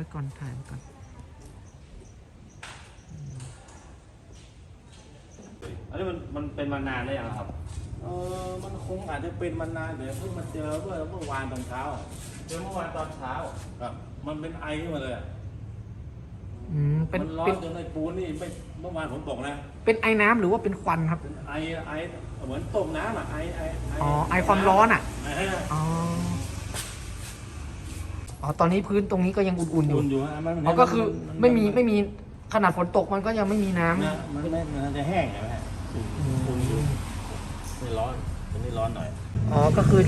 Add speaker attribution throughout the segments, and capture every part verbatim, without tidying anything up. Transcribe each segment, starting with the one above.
Speaker 1: ก่อนถ่ายก่อน
Speaker 2: อันนี้มันมันเป็นมานานได้ยังครับ
Speaker 3: เออมันคงอาจจะเป็นมานานเดี๋ยวเพิ่งมาเจอเมื่อเมื่อวานตอนเช้า
Speaker 2: เจอเมื่อวานตอนเช้า
Speaker 3: ครับมันเป็นไอขึ้นมาเลย
Speaker 1: อืมเป็น
Speaker 3: มันร้อ
Speaker 1: เป็น น
Speaker 3: จนในปูนนี่ไม่เมื่อวานผมตกนะ
Speaker 1: เป็นไอ้น้ำหรือว่าเป็นควันครับ
Speaker 3: เป็นไอไอเหมือนต้มน้ำอ่ะไอไอ
Speaker 1: อ๋อไอความร้อนอ่ะ
Speaker 3: ไอ
Speaker 1: อ๋ออ๋อตอนนี้พื้นตรงนี้ก็ยังอุ่นๆอยู่
Speaker 3: อุ่นอยู่ฮะมัน
Speaker 1: อ๋อก็คือไม่มีไม่มีขนาดฝนตกมันก็ยังไม่มีน้ำ
Speaker 3: นะมันไม่มันจะแห้งใช่ไหมฮะอุ่นอยู่ไม่ร้อนตรงนี้ร้อนหน่อย
Speaker 1: อ๋อก็คือ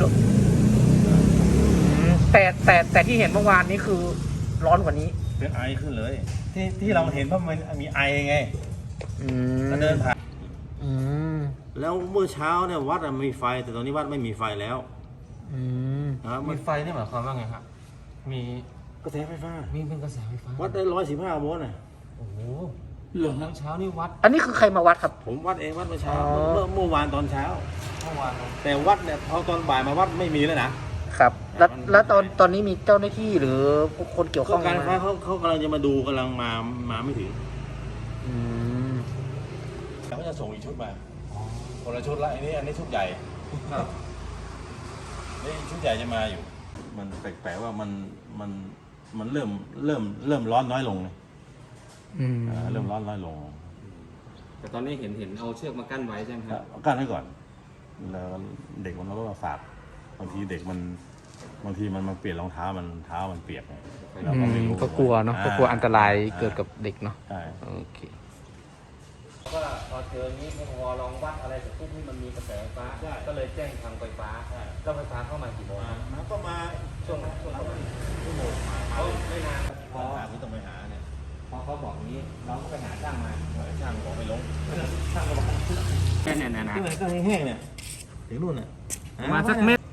Speaker 1: อืมแต่แต่แต่ที่เห็นเมื่อวานนี้คือร้อนกว่านี้
Speaker 3: เป็นไอขึ้นเลย ที่ที่เราเห็นเพราะมันมีไอไง
Speaker 1: อืม
Speaker 3: แล้วเดินผ่าน
Speaker 1: อืม
Speaker 3: แล้วเมื่อเช้าเนี่ยวัดอะมีไฟแต่ตอนนี้วัดไม่มีไฟแล้ว
Speaker 1: อืม
Speaker 3: นะครับ
Speaker 2: มีไฟนี่หมายความว่าไงครับมี
Speaker 3: กระแสไฟฟ้า
Speaker 2: มีเป็นกระแสไฟฟ้า
Speaker 3: วัดได้ร้อยสิบห้าโวลต์น่ะ
Speaker 2: โอ้โห
Speaker 3: เหรอ
Speaker 2: ตอนเช้านี่วัด
Speaker 1: อันนี้คือใครมาวัดครับ
Speaker 3: ผมวัดเองวัดเมื่อเช้า
Speaker 1: อ๋อ
Speaker 3: เมื่อเมื่อวานตอนเช้า
Speaker 2: เมื่อวาน
Speaker 3: แต่วัดเนี่ยพอตอนบ่ายมาวัดไม่มีแล้วนะครับ
Speaker 1: แล้ว
Speaker 3: มัน
Speaker 1: แล้วตอนตอนนี้มีเจ้าหน้าที่หรือคนเกี่ยวข้
Speaker 3: ก็
Speaker 1: อง
Speaker 3: การไฟฟ้า
Speaker 1: มา
Speaker 3: เขาเขากำลังจะมาดูกำลังมามาไม่ถึง
Speaker 1: อืม
Speaker 3: เขาจะส่งอีกชุดมาคนละชุดละอันนี้อันนี้ชุดใหญ่
Speaker 2: ครับ
Speaker 3: นี่ชุดใหญ่จะมาอยู่ มันแปลกๆว่ามันมันมันเริ่มเริ่มเริ่มร้อนน้อยลงเลย
Speaker 1: อืม
Speaker 3: อ่าเริ่มร้อนน้อยลง
Speaker 2: แต่ตอนนี้เห็นเห็นเอาเชือกมากั้นไว้ใช่ไหมครับ
Speaker 3: กั้นไว้ก่อนแล้วเด็กมันก็มาฝากบางทีเด็กมันบางทีมันมาเปลี่ยนรองเท้ามันเท้ามันเปียกไงเราก็ไม่รู้
Speaker 1: ก็กลัวเนาะก็กลัวอันตราย
Speaker 3: อ่
Speaker 1: เกิดกับเด็กเนาะ
Speaker 3: ใช่
Speaker 1: โอเค
Speaker 2: ก็พอเจอนี้พอลองวัดอะไรเสร็จปุ๊บนี่มันมีกระแสไฟฟ้าก็เลยแจ้งทางไฟฟ้าเจ้าไฟฟ้าเข้ามากี่โมงครับ
Speaker 3: มันก็มา
Speaker 2: ช่วงช่วงประมาณชั่วโมงเขาไม่นานพ
Speaker 3: พ
Speaker 2: อ
Speaker 3: อหาที่ต้องไปหาเนี่ย
Speaker 2: พอเขาบอกอย่างนี้เราก็ไปหาช่างมา
Speaker 3: ช่างบอกไม่ลง
Speaker 2: ช่างก็บอกแค่เนี่ยนะนะ
Speaker 3: ที่ไหนก็แห้งๆเนี่ยถึงนู่นน่ะ
Speaker 2: ประมาณสักเมตร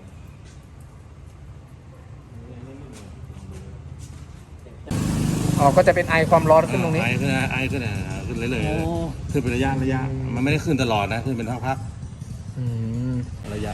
Speaker 1: อ๋อก็จะเป็นไอความร้อนขึ้นตรงนี้
Speaker 3: ไอขึ้นนะไอขึ้นนะขึ้นเรื่อยๆขึ้นเป็นระยะระยะมันไม่ได้ขึ้นตลอดนะขึ้นเป็นพัก
Speaker 1: อืม
Speaker 3: ๆระยะ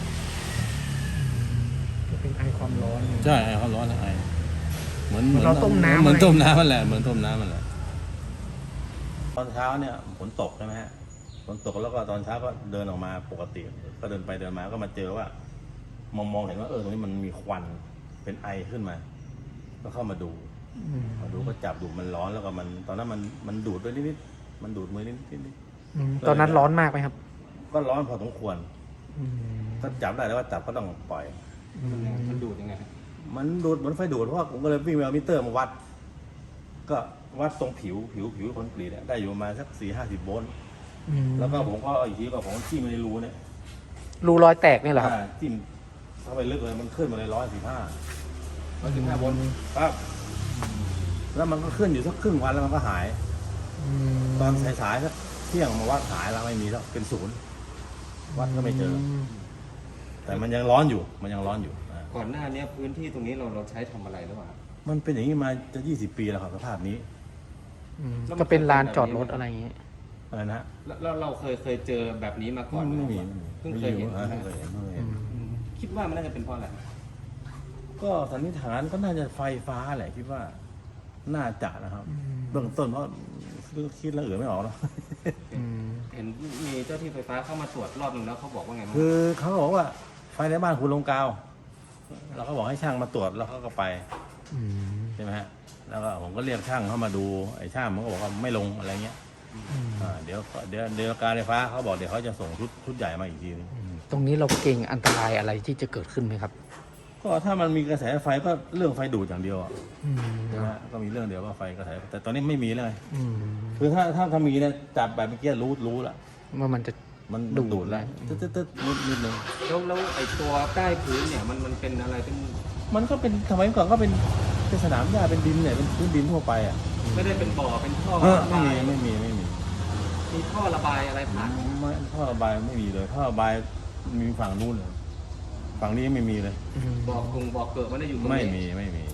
Speaker 1: จะเป็นไอความร้อน
Speaker 3: ใช่ไอเขาร้อนนะไอเหมือน
Speaker 1: เหมือนเราต้มน้ำ
Speaker 3: เหมือน
Speaker 1: อะไร
Speaker 3: ต้มน้ำมันแหละเหมือนต้มน้ำมันแหละตอนเช้าเนี่ยฝนตกใช่ไหมฮะฝนตกแล้วก็ตอนเช้าก็เดินออกมาปกติก็เดินไปเดินมาก็มาเจอว่ามองมองเห็นว่าเออตรงนี้มันมีควันเป็นไอขึ้นมา ก็เข้ามาดู
Speaker 1: อืม
Speaker 3: มาดูก็จับดูมันร้อนแล้วก็มันตอนนั้นมันมันดูดด้วยนิดๆมันดูดมือนิดนิด
Speaker 1: อืมตอนนั้นร้อนมากไหมครับ
Speaker 3: ก็ร้อนพอสมควร
Speaker 1: อืม
Speaker 3: ก็จับได้แล้วว่าจับก็ต้องปล่อย
Speaker 1: อืม
Speaker 2: มันดูดยังไง
Speaker 3: มันดูดเหมือนไฟดูดเพราะว่าผมก็เลยวิ่งไปเอามิเตอร์มาวัด ก็วัดตรงผิวผิวผิวคอนกรีตเนี่ยได้อยู่ประมาณสักสี่ห้าสิบโวลต์
Speaker 1: อืม
Speaker 3: แล้วก็ผมก็เอาอีกทีก็ผมจิ้มไปในรูเนี่ย
Speaker 1: รูรอยแตกนี่เหรอครับ
Speaker 3: อ่าจิ้มเข้าไปลึกเลยมันขึ้นมาเลยร้อยสิบห้า
Speaker 2: ร้อยสิบห้าโวลต์
Speaker 3: ครับแล้วมันก็ขึ้นอยู่สักครึ่งวันแล้วมันก็หาย
Speaker 1: อืม
Speaker 3: ตอนสายๆสักเที่ยงมาวัดหายแล้วไม่มีแล้วเป็นศูนย์วัดก็ไม่เจอ แต่มันยังร้อนอยู่มันยังร้อนอยู่อ่า
Speaker 2: ก่อนหน้านี้พื้นที่ตรงนี้เราเราใช้ทำอะไรหรือเปล่า
Speaker 3: มันเป็นอย่างนี้มาจะยี่สิบปีแล้วครับสภาพนี้
Speaker 1: อืมก็เป็นลานจอดรถอะไรอย่างเงี้ย
Speaker 3: อะไรนะ
Speaker 2: แล้วเราเคยเคยเจอแบบนี้มาก่อน
Speaker 3: ไม่มี
Speaker 2: เพิ่งเคยเห็น
Speaker 3: ไม่มีเพิ่งเคยเห็นเพิ่งเคยเห็น
Speaker 2: คิดว่ามันน่าจะเป็นเพราะอะไร
Speaker 3: ก็สันนิษฐานก็น่าจะไฟฟ้าแหละคิดว่า น่าจะนะครับ เบื้องต้นเพราะคิดแล้วอื่นไม่ออกเนาะ
Speaker 1: อืม
Speaker 2: เห็นมีเจ้าที่ไฟฟ้าเข้ามาตรวจรอบนึงแล้วเขาบอกว่าไงบ้าง
Speaker 3: คือเขาบอกว่าไฟในบ้านคุณลงกาวเราก็บอกให้ช่างมาตรวจแล้วเขาก็ไป
Speaker 1: อืม
Speaker 3: ใช่ไหมฮะแล้วก็ผมก็เรียกช่างเข้ามาดูไอ้ช่างมันก็บอกว่าไม่ลงอะไรเงี้ย
Speaker 1: อืม
Speaker 3: อ่าเดี๋ยวเดี๋ยวเดี๋ยวการไฟฟ้าเขาบอกเดี๋ยวเขาจะส่งชุดชุดใหญ่มาอีกทีนึง
Speaker 1: ตรงนี้เราเก่งอันตรายอะไรที่จะเกิดขึ้นไหมครับ
Speaker 3: ก็ถ้ามันมีกระแสไฟก็เรื่องไฟดูดอย่างเดียวอะ
Speaker 1: อืม
Speaker 3: ใช่ไหมฮะก็มีเรื่องเดียวว่าไฟกระแสแต่ตอนนี้ไม่มีเลย
Speaker 1: อืม
Speaker 3: คือถ้าถ้าถ้ามีเนี่ยจับแบบเมื่อกี้รู้รู้ละ
Speaker 1: ว่ามันจะ
Speaker 3: มัน
Speaker 1: ดู
Speaker 3: มัน
Speaker 1: ด
Speaker 3: ดูดแล้ว
Speaker 1: อื
Speaker 3: ตึ๊
Speaker 1: ม
Speaker 3: ดตึ๊ดตึ๊ดนิดนิดนึง
Speaker 2: แล้วแล้วไอ้ตัวใต้พื้นเนี่ยมันมันเป็นอะไรเป็น
Speaker 3: มันก็เป็นสมัยก่อนก็เป็นเป็นสนามหญ้าเป็นดินเนี่ยเป็นพื้นดินทั่วไปอ่ะ
Speaker 2: ไม่ได้เป็นบ่อเป็นท่อ
Speaker 3: เออ
Speaker 2: ระ
Speaker 3: ไม่
Speaker 2: บาย
Speaker 3: มีไม่มีไม่มี
Speaker 2: มีท่อระบายอะไรผ่าน
Speaker 3: ไม่ท่อระบายไม่มีเลยท่อระบายมีฝั่งนู้นเลยฝั่งนี้ไม่มีเลย
Speaker 1: อืม
Speaker 2: บ่อกรุงบ่อเกิดมันได้อยู่ตรง
Speaker 3: ไม่
Speaker 2: นี้
Speaker 3: มีไม่มี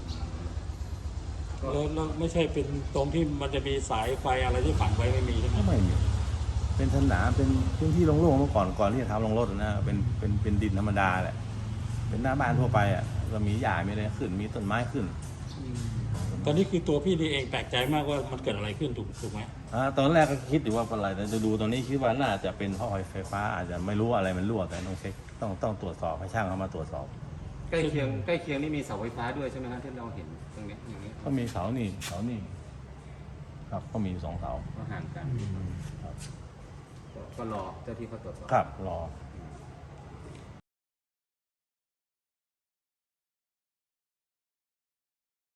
Speaker 4: แล้วแล้วไม่ใช่เป็นตรงที่มันจะมีสายไฟอะไรที่ฝังไว้ไม่มีใช่ไหม
Speaker 3: ไม่มี เป็นสนามเป็นพื้นที่โล่งๆเมื่อก่อนก่อนที่จะทำลงรถนะเป็นเป็นเป็นดินธรรมดาแหละเป็นหน้าบ้านทั่วไปอ่ะก็มีหญ้ามีอะไรขึ้นมีต้นไม้ขึ้น
Speaker 4: ตอนนี้คือตัวพี่นี่เองแปลกใจมากว่ามันเกิดอะไรขึ้นถูกถูกไหม
Speaker 3: อ่าตอนแรกก็คิดอยู่ว่าเป็นอะไรแต่จะดูตอนนี้คิดว่าน่าจะเป็นท่อไฟฟ้าอาจจะไม่รู้อะไรมันรั่วแต่ต้องเช็คต้องต้องตรวจสอบให้ช่างเขามาตรวจสอบ
Speaker 2: ใกล้เคียงใกล้เคียงนี่มีเสาไฟฟ้าด้วยใช่ไหมครับที่เราเห็นตรงนี้อย่างนี้
Speaker 3: ก็มีเสานี่เสานี่ครับก็มีสองเสา
Speaker 2: ก็ห่างกัน
Speaker 3: ครับ
Speaker 2: ก็รอเจ้าที่เขาตรวจสอบ
Speaker 3: ครับรอ